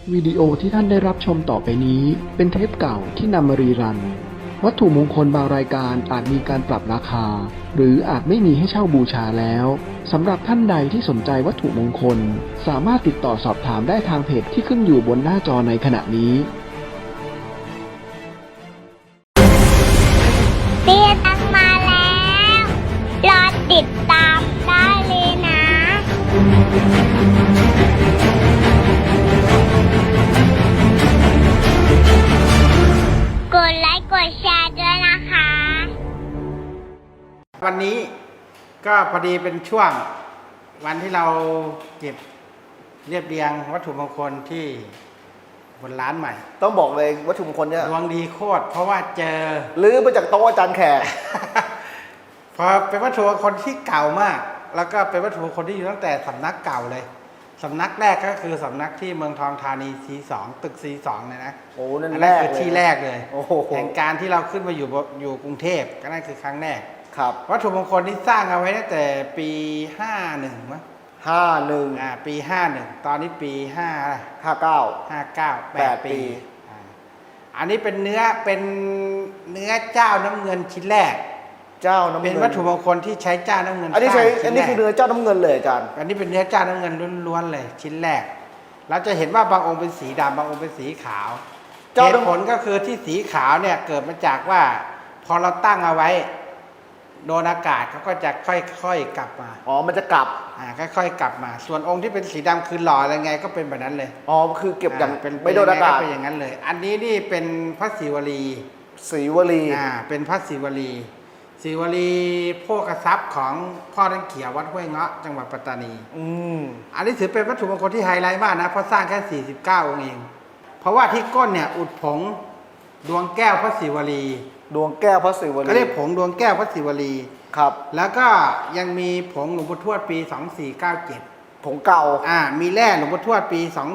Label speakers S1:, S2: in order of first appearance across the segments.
S1: วิดีโอที่ท่านได้รับชมต่อไปนี้เป็นเทปเก่าที่นำมารีรันวัตถุมงคลบางรายการอาจมีการปรับราคาหรืออาจไม่มีให้เช่าบูชาแล้วสำหรับท่านใดที่สนใจวัตถุมงคลสามารถติดต่อสอบถามได้ทางเพจที่ขึ้นอยู่บนหน้าจอในขณะนี้
S2: เตี้ยตั้งมาแล้ว รอติดตามได้เลยนะ กดไลค์กดแชร์ด้วยนะคะ
S3: วันนี้ก็พอดีเป็นช่วงวันที่เราเก็บเรียบเรียงวัตถุมงคลที่บนร้านใหม่
S4: ต้องบอกเลยวัตถุมงคลเนี่ย
S3: ดวงดีโคตรเพราะว่าเจอ
S4: ลื้อมาจากโต๊ะอาจารย์แขก
S3: พอเป็นวัตถุมงคลที่เก่ามาก แล้วก็เป็นวัตถุมงคลที่อยู่ตั้งแต่สำนักเก่าเลยสำนักแรกก็คือสำนักที่เมืองทองธานี C2 ตึก C2 เลยนะ
S4: โอ้นั่น
S3: อัน
S4: แร
S3: นั้น
S4: ก
S3: คือ
S4: เลย
S3: ที่แรกเลย
S4: โอ้โห
S3: แห่งการที่เราขึ้นมาอยู่กรุงเทพก็นั่นคือครั้งแรก
S4: ครับ
S3: วัตถุมงคลที่สร้างเอาไว้ตั้งแต่ปี51มั้ง
S4: 51
S3: ปี51ตอนนี้ปี
S4: 59
S3: 59 8 ปีอันนี้เป็นเนื้อเจ้าน้ำเงินชิ้นแรก
S4: เจ้าน้ำเงิน
S3: เป็นวัตถุมงคลที่ใช้เจ้าน้ำเงิน
S4: อันนี้ใช้
S3: สร้าง
S4: อันนี้คือเนื้อเจ้าน้ำเงินเลยอาจารย์
S3: อันนี้เป็นเนื้อเจ้าน้ำเงินล้วนๆเลยชิ้นแรก เราจะเห็นว่าบางองค์เป็นสีดำบางองค์เป็นสีขาวเหตุผลก็คือที่สีขาวเนี่ยเกิดมาจากว่าพอเราตั้งเอาไว้โดนอากาศเขาก็จะค่อยๆกลับมา
S4: อ๋อมันจะกลับ
S3: ค่อยๆกลับมา ส่วนองค์ที่เป็นสีดำคือหล่ออะไรไงก็เป็นแบบนั้นเลย
S4: อ๋อคือเก็บอย่าง
S3: เป็น
S4: ไม่โดนอากาศ
S3: เป็นอย่างนั้นเลย อันนี้นี่เป็นพระศิวลี
S4: ศรีวลี
S3: เป็นพระศิวลีศิวลีโภคทรัพย์ของพ่อท่านเขียววัดห้วยเงาะจังหวัดปัตตานี อันนี้ถือเป็นวัตถุมงคลที่ไฮไลท์มากนะเพราะสร้างแค่49องค์เองเพราะว่าที่ก้นเนี่ยอุดผงดวงแก้วพระศิวลี
S4: ดวงแก้วพระศิวลี
S3: ก็เรียกผงดวงแก้วพระศิวลี
S4: ครับ
S3: แล้วก็ยังมีผงหลวงปู่ทวดปี 2497
S4: ผงเก่า
S3: มีแร่หลวงปู่ทวดปี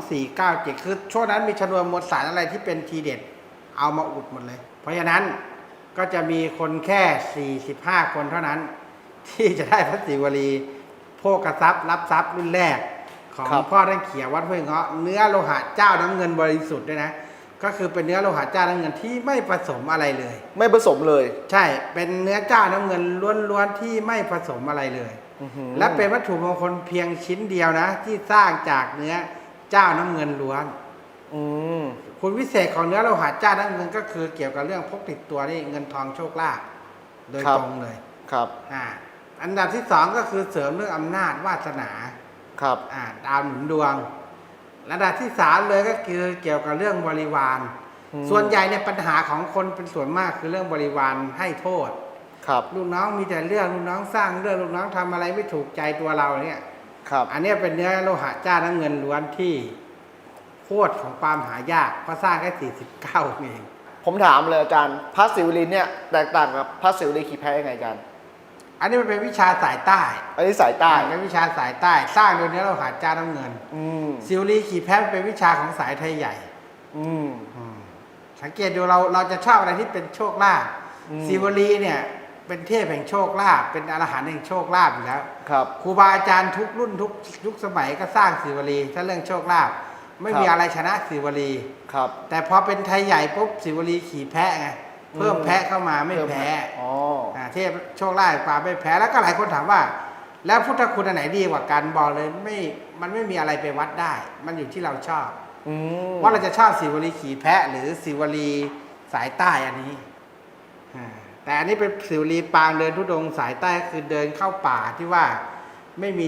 S3: 2497คือช่วงนั้นมีชนวนมวลสารอะไรที่เป็นทีเด็ดเอามาอุดหมดเลย เพราะฉะนั้นก็จะมีคนแค่45คนเท่านั้น ที่จะได้พระศิวลีโภคทรัพย์รับทรัพย์รุ่นแรกของพ่อท่านเขียววัดห้วยเงาะเนื้อโลหะเจ้าน้ำเงินบริสุทธิ์ด้วยนะก็คือเป็นเนื้อโลหะเจ้าน้ำเงินที่ไม่ผสมอะไรเลย
S4: ไม่ผสมเลย
S3: ใช่เป็นเนื้อเจ้าน้ำเงินล้วนๆที่ไม่ผสมอะไรเลยและเป็นวัตถุมงคลเพียงชิ้นเดียวนะที่สร้างจากเนื้อเจ้าน้ำเงินล้วนคุณวิเศษของเนื้อโลหะเจ้าน้ำเงินก็คือเกี่ยวกับเรื่องพกติดตัวนี่เงินทองโชคลาภโดยตรงเลย
S4: ครับ
S3: อันดับที่สองก็คือเสริมเรื่องอำนาจวาสนา
S4: ครับ
S3: ดาวหนุนดวงระดับที่สามเลยก็คือเกี่ยวกับเรื่องบริวารส่วนใหญ่เนี่ยปัญหาของคนเป็นส่วนมากคือเรื่องบริวารให้โทษ
S4: ครับ
S3: ลูกน้องมีแต่เรื่องลูกน้องสร้างเรื่องลูกน้องทำอะไรไม่ถูกใจตัวเราเนี่ย
S4: ครับ
S3: อันนี้เป็นเนื้อโลหะจ้าน้ำเงินล้วนที่โคตรของความหายากเพราะสร้างแค่49เอง
S4: ผมถามเลยอาจารย์พระศิวลีเนี่ยแตกต่างกับพระศิวลีขี่แพ้ยังไงอาจารย์
S3: อันนี้มันเป็นวิชาสายใต้
S4: อันนี้สายใต้
S3: เป็นวิชาสายใต้สร้างโดยเนื้อโลหะจ้าน้ำเงินศิวลีขี่แพ้เป็นวิชาของสายไทยใหญ่สังเกตดูเราจะชอบอะไรที่เป็นโชคลาภศิวลีเนี่ยเป็นเทพแห่งโชคลาภเป็นอรหันต์แห่งโชคลาภอยู่แล้ว
S4: ครับ
S3: ครูบาอาจารย์ทุกรุ่นทุกยุคสมัยก็สร้างศิวลีถ้าเรื่องโชคลาภไม่มีอะไรชนะศิวลี
S4: ครับ
S3: แต่พอเป็นไทยใหญ่ปุ๊บศิวลีขี่แพะไงเพิ่มแพะเข้ามาไม่แพ้เทพโชคลาภกว่าไม่แพ้แล้วก็หลายคนถามว่าแล้วพุทธคุณอันไหนดีกว่ากันบอกเลยมันไม่มีอะไรไปวัดได้ มันอยู่ที่เราชอบว่าเราจะชอบศิวลีขี่แพะหรือศิวลีสายใต้อันนี้แต่อันนี้เป็นศิวลีปางเดินธุดงค์สายใต้คือเดินเข้าป่าที่ว่าไม่มี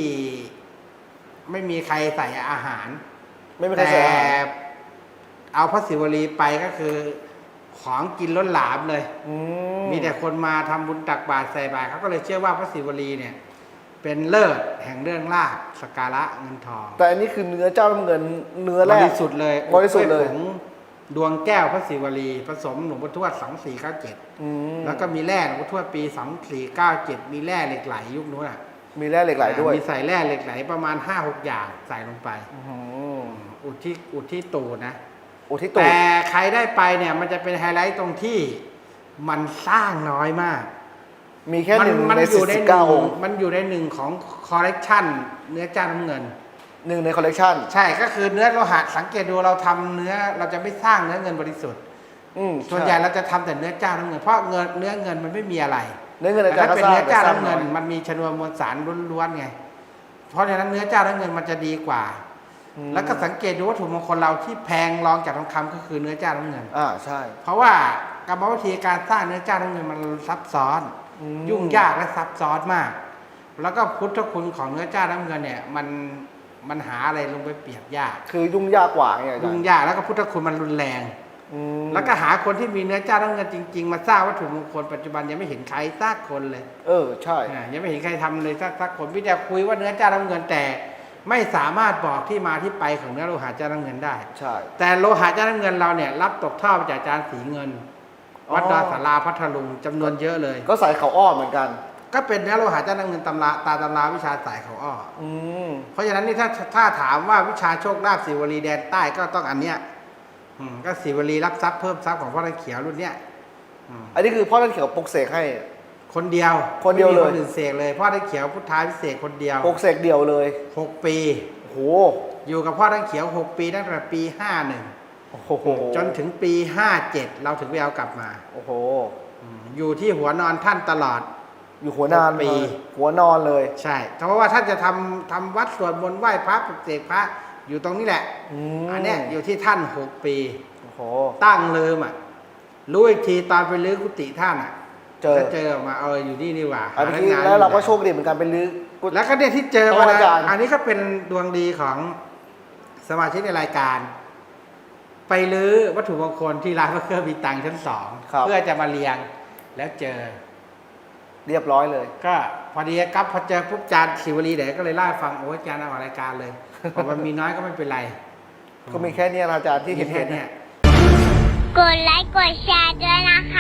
S3: ใครใส่อาหารแต่เอาพระศิวลีไปก็คือของกินล้นหลามเลยมีแต่คนมาทำบุญตักบาตรใส่บาตรเขาก็เลยเชื่อว่าพระศิวลีเนี่ยเป็นเลิศแห่งเรื่องลาภสักการะเงินทอง
S4: แต่อันนี้คือเนื้อเจ้าน้ำเงินเนื้อแรก
S3: บริสุทธิ์เลย
S4: บริสุทธิ์เลย
S3: ดวงแก้วพระศิวลีผสมหลวงปู่ทวด2497แล้วก็มีแร่หลวงปู่ทวดปี2497มีแร่เหล็กไหลยุคนู้น
S4: มีแร่เหล็กไหลด้วย
S3: มีใส่แร่เหล็กไหลประมาณ 5-6 อย่างใส่ลงไปอุดที่ตูดนะแต่ใครได้ไปเนี่ยมันจะเป็นไฮไลท์ตรงที่มันสร้างน้อยมาก
S4: มีแค่1 ใน 49 องค์
S3: มันอยู่ใน1ของคอลเลกชันเนื้อจ้าน้ำเงิน
S4: 1ในคอลเลกชัน
S3: ใช่ก็คือเนื้อโลหะสังเกตดูเราทำเนื้อเราจะไม่สร้างเนื้อเงินบริสุทธิ์ส่วนใหญ่เราจะทำแต่เนื้อเจ้าน้ำเงินเพราะเนื้อเงินมันไม่มีอะไร
S4: เนื้อเงินอาจา
S3: แต่
S4: รย์
S3: ถ้า
S4: ก็
S3: เป็น
S4: สร้าง
S3: เนื้อเจ้า
S4: แต่สร้าง
S3: น้ำเงิน
S4: อย
S3: มันมีชนวนมวลสารล้วนๆไงเพราะฉะนั้นเนื้อเจ้าน้ำเงินมันจะดีกว่า แล้วก็สังเกตดูวัตถุมงคลเราที่แพงรองจากทองคำก็คือเนื้อเจ้าน้ำเงิน
S4: ใช่
S3: เพราะว่ากรรมวิธีการสร้างเนื้อเจ้าน้ำเงินมันซับซ้อน ยุ่งยากและซับซ้อนมาก แล้วก็พุทธคุณของเนื้อเจ้าน้ำเงินเนี่ยมันหาอะไรลงไปเปรียบยาก
S4: คือยุ่งยากกว่าไงอาจาร
S3: ยุ่ง
S4: ย์
S3: ยากแล้วก็พุทธคุณมันรุนแรง แล้วก็หาคนที่มีเนื้อเจ้าน้ำเงินจริงๆมาสร้างวัตถุมงคลปัจจุบันยังไม่เห็นใครสักคนเลย
S4: ใช่
S3: ยังไม่เห็นใครทำเลยสักคนพี่แต่คุยว่าเนื้อเจ้าน้ำเงินแต่ไม่สามารถบอกที่มาที่ไปของเนื้อโลหะเจ้าน้ำเงินได้
S4: ใช่
S3: แต่โลหะเจ้าน้ำเงินเราเนี่ยรับตกทอดมาจากอาจารย์สีเงิน วัดดอยสาราพัทลุงจำนวนเยอะเลย
S4: ก็ใส่เขาอ้อเหมือนกัน
S3: ก็เป็นเนื้อโลหะเจ้าน้ำเงินตำราวิชาสายเขาอ้อ
S4: ม
S3: เพราะฉะนั้นนี่ถ้าถามว่าวิชาโชคลาภศิวลีแดนใต้ก็ต้องอันเนี้ยก็ศิวลีรับทรัพย์เพิ่มทรัพย์ของพ่อตะเขียวรุ่นเนี้ย
S4: อันนี้คือพ่อท่านเขียวปลุกเสกให้
S3: คนเดียว
S4: คนเดียวเลย
S3: ไม่มีคนอื่นเสกเลยพ่อตะเขียวพุทธาพิเศษกคนเดียว
S4: ปลุกเสกเดียวเลย
S3: 6 ปี
S4: โอ้โห
S3: อยู่กับพ่อตะเขียว 6 ปีตั้งแต่ปี 51
S4: โอ้โห
S3: จนถึงปี 57 เราถึงไปเอากลับมา
S4: โอ้โห
S3: อยู่ที่หัวนอนท่านตลอด
S4: อยู่หัวนาน
S3: ปี
S4: เลยหัวนอนเลย
S3: ใช่เพราะว่าท่านจะทำวัดสวดมนต์ไหว้พระปลุกเสกพระอยู่ตรงนี้แหละ อันเนี้ยอยู่ที่ท่าน 6 ปี
S4: โอ้โห
S3: ตั้งลืมรู้อีกทีตอนไปลื้อกุฏิท่าน
S4: เจอ
S3: แล้วเจอออกมาอยู่นี่นี่หว่า
S4: อันนี้แล้วเราก็โชคดีเหมือนกันเป็นลื้อกุฏิ
S3: แล้วก็เนี่ยที่เจอมา
S4: อาจารย์
S3: อันนี้ก็เป็นดวงดีของสมาชิกในรายการ ไปลื้อวัตถุมงคลที่ร้านพระเครื่องมีตังค์ชั้น 2เพื่อจะมาเรียงแล้วเจอ
S4: เรียบร้อยเลย
S3: ก็พอดีครับพอเจอปุ๊บจานศิวลีเดี๋ยวก็เลยเล่าให้ฟังโอ้ยจานเอาออกรายการเลยพอมันมีน้อยก็ไม่เป็นไร
S4: ก็มีแค่เนี้ยนะอาจารย์ที่เห็น
S3: แค่เนี้ย
S2: กดไลค์กดแชร์ด้วยนะคะ